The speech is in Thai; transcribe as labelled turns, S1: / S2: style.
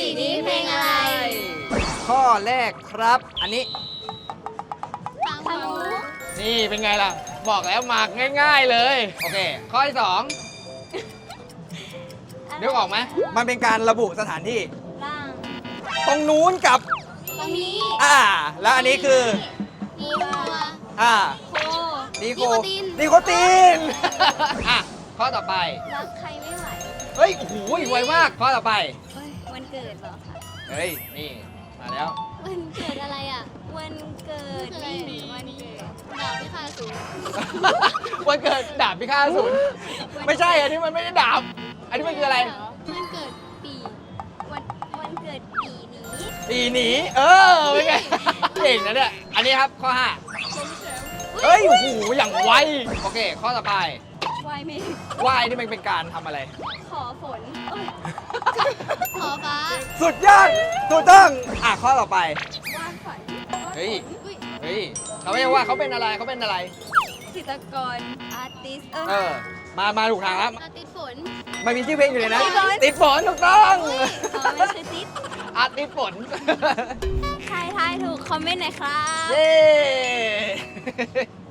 S1: นี้เพลงอะไร
S2: ข้อแรกครับ อันนี้
S1: ทางหมู
S3: นี่เป็นไงล่ะ บอกแล้วหมากง่ายๆเลย โอเค ข้อที่สองนึกออกไหม
S2: มันเป็นการระบุสถานที่
S1: ล่าง
S2: ตรงนู้นกับ
S1: ตรงนี้
S2: แล้วอันนี้คือ
S1: มีวัว
S2: อ่า
S1: โค
S2: นิโค
S1: ติน
S2: นิโคติน
S3: อ่ะ ข้อต่อไป
S1: รักใครไม่ไหว
S3: เฮ้ย โอ้โหไวมาก ข้อต่อไป
S1: เฮ้ยวันเกิดเหรอคะ
S3: เฮ้ย นี่ มาแล้ว
S1: วันเกิดอะไรอ่ะ วันเกิดนี่วันเกิดดาบพิฆาตอสูร
S3: วันเกิดดาบพิฆาตอสูรไม่ใช่ อันนี้มันไม่ได้ดาบ อันนี้มันคืออะไร
S1: วันเกิดปีวันเกิดปีนี้
S3: ปีหนี เป็นไง เก่งนะเนี่ย อันนี้ครับข้อ 5 เฮ้ย โอ้โห อย่างไว โอเค ข้อต่อไป
S1: วายเมฆ
S3: ว่ายนี่มันเป็นการทำอะไร
S1: ขอฝนขอฟ้า
S2: สุดยอดถูกต้อง ข้อต่อไป
S1: วาดฝัน
S3: เฮ้ย เฮ้ย เขาไม่ว่าเขาเป็นอะไร เขาเป็นอะไร
S1: จิตรกรอาร์ติส
S3: มาถูกทางแล้ว
S1: อาร์ติสฝน
S2: มันมีชื่อเพลงอยู่เลยนะ
S3: ติดฝนถูกต้อง
S1: ไม่ใช่ติส
S3: อาติดฝน
S1: ใครทายถูกคอมเมนต์หน่อยครับ
S3: เย้